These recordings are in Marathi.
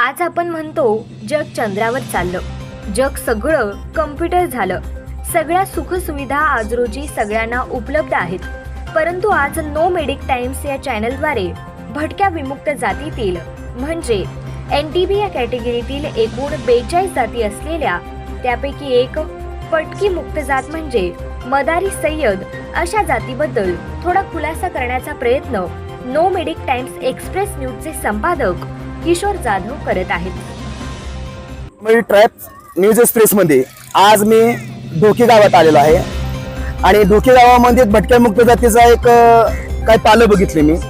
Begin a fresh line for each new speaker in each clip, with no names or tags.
आज आपण म्हणतो जग चंद्रावर चाललं, जग सगळं कम्प्युटर झालं, सगळ्या सुखसुविधा आज रोजी सगळ्यांना उपलब्ध आहेत. परंतु आज नो मेडिक टाइम्स या चॅनलद्वारे भटक्या विमुक्त जातीतील म्हणजे NTB या कॅटेगरीतील एकूण 42 जाती असलेल्या त्यापैकी एक पटकी मुक्त जात म्हणजे मदारी सय्यद अशा जातीबद्दल थोडा खुलासा करण्याचा प्रयत्न नो मेडिक टाइम्स एक्सप्रेस न्यूजचे संपादक किशोर जाधव करत आहेत.
ट्रॅप न्यूज एक्सप्रेस मध्ये आज मी ढोकी गावात आलेलो आहे आणि ढोकी गावामध्ये भटक्या मुक्त जातीचा एक काय पालं बघितले मी.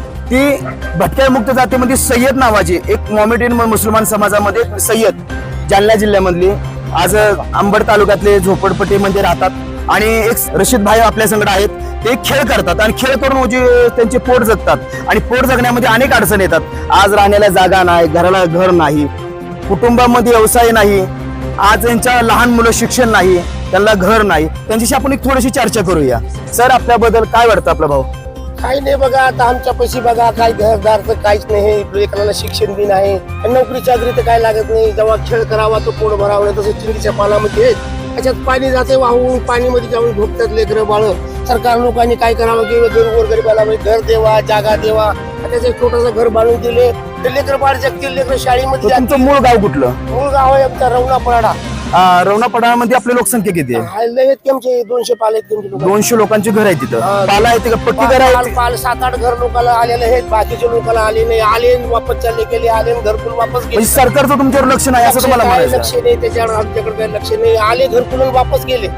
ती भटक्या मुक्त जातीमध्ये सय्यद नावाची एक मोमेडियन मुसलमान समाजामध्ये सय्यद जालना जिल्ह्यामधली आज अंबड तालुक्यातले झोपडपट्टीमध्ये राहतात आणि एक रशीद भाई आपल्या संगड आहेत. ते खेळ करतात आणि खेळ करून म्हणजे त्यांचे पोट जगतात आणि पोट जगण्यामध्ये अनेक अडचणी येतात. आज राहण्याला जागा नाही, घराला घर नाही, कुटुंबामध्ये व्यवसाय नाही, आज यांच्या लहान मुलं शिक्षण नाही, त्यांना घर नाही. त्यांच्याशी आपण एक थोडीशी चर्चा करूया. सर, आपल्याबद्दल काय वाटतं आपला भाऊ?
काही नाही बघा, आता आमच्या पैसे बघा, काही घरदार तर काहीच नाही, लेकराला शिक्षण बी नाही, नोकरी चाकरी तर काय लागत नाही. जेव्हा खेळ करावा तो पोट भरावं, तसं चिंडीच्या पानामध्ये त्याच्यात पाणी जाते वाहून, पाणीमध्ये जाऊन झोपतात लेकरं बाळ. सरकार लोकांनी काय करावं की गोरगरिबाला घर देवा, जागा देवा, त्याचं एक छोटंसं घर बांधून दिले तर लेकर बाळ जगतील, लेकर शाळेमध्ये.
तुमचं मूळ गाव कुठलं?
मूळ गाव आहे आमचा रवणापराडा.
रवणापराडामध्ये आपली लोकसंख्या किती आहे?
लय आमचे 200 पाल आहेत.
200 लोकांची घर आहे तिथं. पाला आहे का? पट्टी घर आहे?
पाल 7-8 घर लोकांना आलेले आहेत, बाकीच्या लोकांना आले नाही. आले वापस चालले गेले, आले घरकुल वापस गेले.
म्हणजे सरकारचं तुमच्यावर लक्ष नाही असं तुम्हाला म्हणायचं?
लक्ष नाही त्याच्यावर, आमच्याकडे काही लक्ष नाही. आले घरकुल वापस गेले.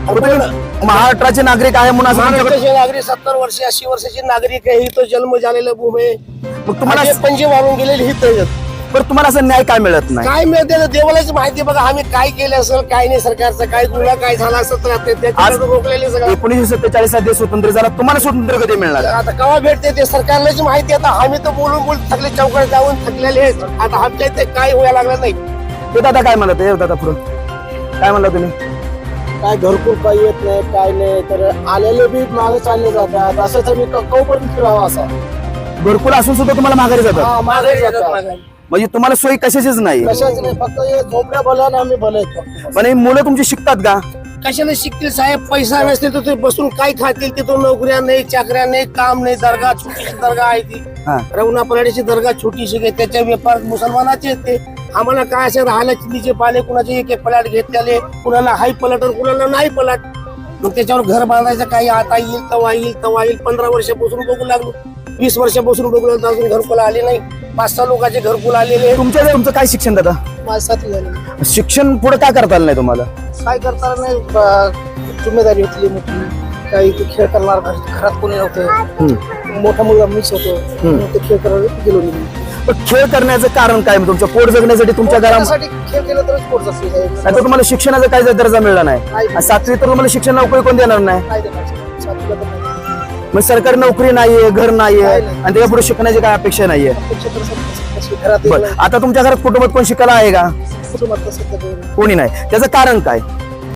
महाराष्ट्राचे नागरिक आहे म्हणून असं
महाराष्ट्राचे नागरिक 70 वर्ष 80 वर्षाचे नागरिक आहे. तो जन्म झालेला भूमी आहे.
मग तुम्हाला
पंजे वाढून गेलेले हित.
पण तुम्हाला असं न्याय काय मिळत नाही?
काय मिळते देवालाच माहिती. बघा आम्ही काय केलं असेल, काय नाही, सरकारचं काय गुन्हा काय झाला असेल तर आज रोखलेले सगळं.
1947 मध्ये स्वातंत्र्य झाला, तुम्हाला स्वातंत्र्य कधी मिळणार?
आता केव्हा भेटते ते सरकारलाच माहिती. आता आम्ही तर बोलून थकले, चौकात जाऊन थकलेले आहेत. आता आमच्या इथे काय व्हायला लागलं नाही.
हे दादा काय म्हणत? हे दादा पुढे काय म्हणला तुम्ही?
काय घरकुल काही येत नाही, काय नाही, तर आलेले बी मागे चालले जातात. असं तर मी कौपर्यंत फिरावं असा.
घरकुल असून सुद्धा तुम्हाला माघारी जातात?
मागे जातात.
म्हणजे तुम्हाला सोयी कशाचीच नाही?
कशाच नाही, फक्त हे झोपड्या भल्या आणि आम्ही भले.
पण हे मुलं तुमची शिकतात का?
कशाला शिकतील साहेब? पैसा नसते तर ते बसून काय खातील? तिथून नोकऱ्या नाही, चाकऱ्या नाही, काम नाही. दर्गा छोटीशी दर्गा आहे ती रवणापराडीची दर्गा छोटीशी आहे. त्याच्या व्यापार मुसलमानाचे ते. आम्हाला काय असे राहायला चिंदीचे पाले, कुणाचे एक पलाट घेतलेले, कुणाला हाय पलाट कुणाला नाही पलाट. मग त्याच्यावर घर बांधायचं काही आता येईल तवा येईल तवा येईल. 15 वर्षापासून बघू लागलो, 20 वर्षापासून बघू लागलो, अजून घरकुल आले नाही. 5-6 लोकांचे घरकुल आलेले.
तुमचं काय शिक्षण दादा?
माझं 7वी झाले.
शिक्षण पुढे काय करता आलं नाही तुम्हाला?
काय करता नाही, जिम्मेदारी होती मोठी. काही ते खेळ करणार, घरात कोणी नव्हतं, मोठा मुलगा मीच होतो, ते खेळ करायला गेलो नाही.
पण खेळ करण्याचं कारण काय? तुमचं पोट जगण्यासाठी तुमच्या घरासाठी
खेळ केला तरच पोट जगते.
नाही तर तुम्हाला शिक्षणाचा काय दर्जा मिळला नाही. 7वी तर तुम्हाला शिक्षण नोकरी कोण देणार नाही. मग सरकारी नोकरी नाहीये, घर नाहीये आणि त्याच्या पुढे शिकण्याची काय अपेक्षा नाहीये. आता तुमच्या घरात कुटुंबात कोण शिकायला आहे का? कोणी नाही. त्याचं कारण काय?